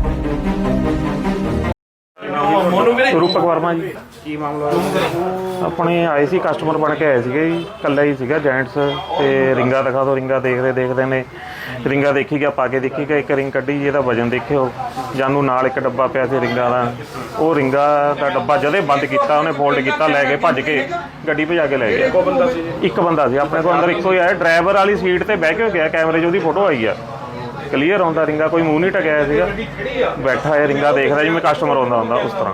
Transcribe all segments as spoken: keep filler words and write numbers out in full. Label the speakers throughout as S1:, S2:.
S1: रूपक वर्मा जी की मामला अपने आए सी कस्टमर बन के आए थे जी, कल्ला ही सीगा जेंट्स ते रिंगा दिखा दो, रिंगा देखते देखते ने रिंगा देखी गया, पा के देखी गया, एक रिंग कड्ढी जी, वजन देखियो जानू नाल एक डब्बा पिया सी रिंगा दा, वो रिंगा दा डब्बा जदे बंद किया उन्हें फोल्ड किया, लै गए भज के गड्डी भजा के लै गए। एक बंदा सी अपने को अंदर, इको ही आया ड्राइवर वाली सीट ते बह के गया, कैमरे च उसदी फोटो आई है क्लीयर आउंदा, रिंगा कोई मूँह नहीं टकिया सीगा, बैठा है रिंगा देखदा जिवें कस्टमर आउंदा हुंदा उस तरह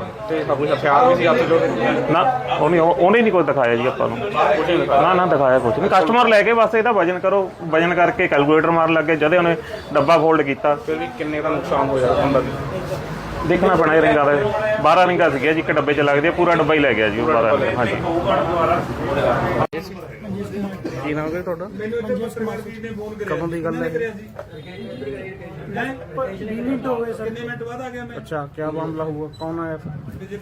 S1: ना, उन्हें नहीं कुछ दिखाया जी आपां नूं, ना ना दिखाया कुछ नहीं, कस्टमर लैके बस इहदा वजन करो, वजन करके कैलकुलेटर मार लग गए, जदे उन्हें डब्बा फोल्ड किया
S2: किन्ने का नुकसान होया
S1: देखना पैना रिंगा का, बारह रिंगा सीगिया जी, एक डब्बे च लगदी, पूरा डब्बा ही लै गया जी बारह। हाँ जी
S2: की नाम है ਤੁਹਾਡਾ? कदों की गल है?
S3: मिनट हो गए सर। कितने मिनट बाद आ गया मैं?
S2: अच्छा, क्या मामला हुआ, कौन आया फिर?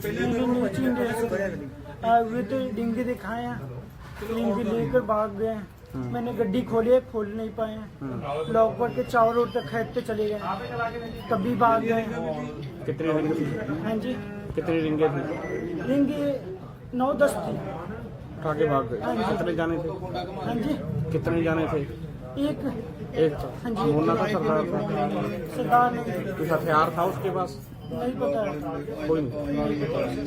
S3: वे तो डिंगे दिखाए हैं, डिंगे लेकर भाग गए, मैंने गड्डी खोली, खोल नहीं पाए, लॉक करके चावल रोड तक खेत पे चले गए, तभी भाग गए।
S2: कितनी रिंग थी?
S3: हाँ जी,
S2: कितनी रिंगे थी?
S3: डिंगे नौ दस थी।
S2: उठा के भाग गए। कितने जाने थे?
S3: हाँ जी,
S2: कितने जाने थे?
S3: एक
S2: एक था।
S3: हाँ जी,
S2: मुन्ना का सरदार था?
S3: सरदार नहीं,
S2: कुछ हथियार था उसके पास?
S3: नहीं पता,
S2: कोई नहीं।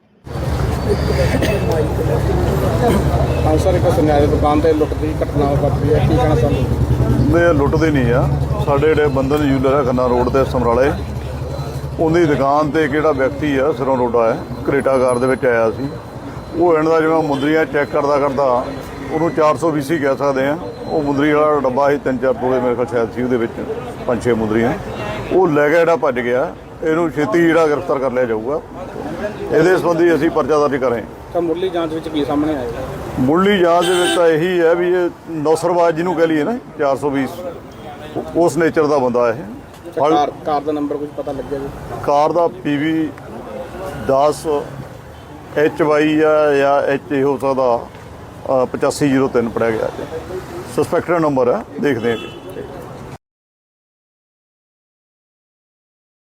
S2: हाँ सर, एक सुनिया दुकान ਤੇ ਲੁੱਟ ਦੀ ਘਟਨਾ ਵਾਪਰੀ ਹੈ, ਕੀ ਕਹਿਣਾ ਚਾਹੁੰਦੇ?
S4: ਮੈਂ ਲੁੱਟਦੇ ਨਹੀਂ ਆ, ਸਾਡੇ ਜਿਹੜੇ ਬੰਧਨ ਜੂਲਰ ਹੈ ਖੰਨਾ ਰੋਡ ਤੇ ਸਮਰਾਲੇ, ਉਹਦੀ ਦੁਕਾਨ ਤੇ ਕਿਹੜਾ ਵਿਅਕਤੀ ਆ ਸਿਰੋਂ ਰੋਡਾ ਹੈ ਕਰੇਟਾ ਕਾਰ ਦੇ ਵਿੱਚ ਆਇਆ ਸੀ, ਉਹ ਇਹਨਾਂ ਦਾ ਜਿਵੇਂ ਮੁੰਦਰੀਆਂ ਚੈੱਕ ਕਰਦਾ ਕਰਦਾ ਉਹਨੂੰ ਚਾਰ ਸੌ ਵੀਹ ਕਹਿ ਸਕਦੇ ਆ, ਉਹ ਮੁੰਦਰੀ ਵਾਲਾ ਡੱਬਾ ਸੀ ਤਿੰਨ ਚਾਰ ਤੋਲੇ ਮੇਰੇ ਕੋਲ ਸ਼ਾਇਦ ਸੀ, ਉਹਦੇ ਵਿੱਚ ਪੰਜ ਛੇ ਮੁੰਦਰੀਆਂ, ਉਹ ਲੈ ਗਿਆ ਜਿਹੜਾ ਭੱਜ ਗਿਆ, ਇਹਨੂੰ ਛੇਤੀ ਜਿਹੜਾ ਗ੍ਰਿਫਤਾਰ ਕਰ ਲਿਆ ਜਾਊਗਾ। ਇਹਦੇ ਸੰਬੰਧੀ ਅਸੀਂ ਪਰਚਾ ਦਰਜ ਕਰੇ।
S2: ਤਾਂ ਮੁੱਢਲੀ ਜਾਂਚ ਵਿੱਚ ਕੀ ਸਾਹਮਣੇ ਆਇਆ?
S4: ਮੁੱਢਲੀ ਜਾਂਚ ਦੇ ਵਿੱਚ ਤਾਂ ਇਹੀ ਹੈ ਵੀ ਇਹ ਨੌਸਰਵਾਜ ਜਿਹਨੂੰ ਕਹਿ ਲਈਏ ਨਾ ਚਾਰ ਸੌ ਵੀਹ, ਉਸ ਨੇਚਰ ਦਾ ਬੰਦਾ ਇਹ।
S2: ਕਾਰ ਕਾਰ ਦਾ ਨੰਬਰ ਕੁਝ ਪਤਾ ਲੱਗਿਆ ਜੀ? ਕਾਰ
S4: ਦਾ ਪੀ ਵੀ ਦਸ ਐਚ ਵਾਈ ਆ ਜਾਂ ਐਚ ਏ ਹੋ ਸਕਦਾ, ਪਚਾਸੀ ਜੀਰੋ ਤਿੰਨ ਪੜਿਆ ਗਿਆ ਜੀ, ਸਸਪੈਕਟਡ ਨੰਬਰ ਹੈ, ਦੇਖਦੇ ਹਾਂ।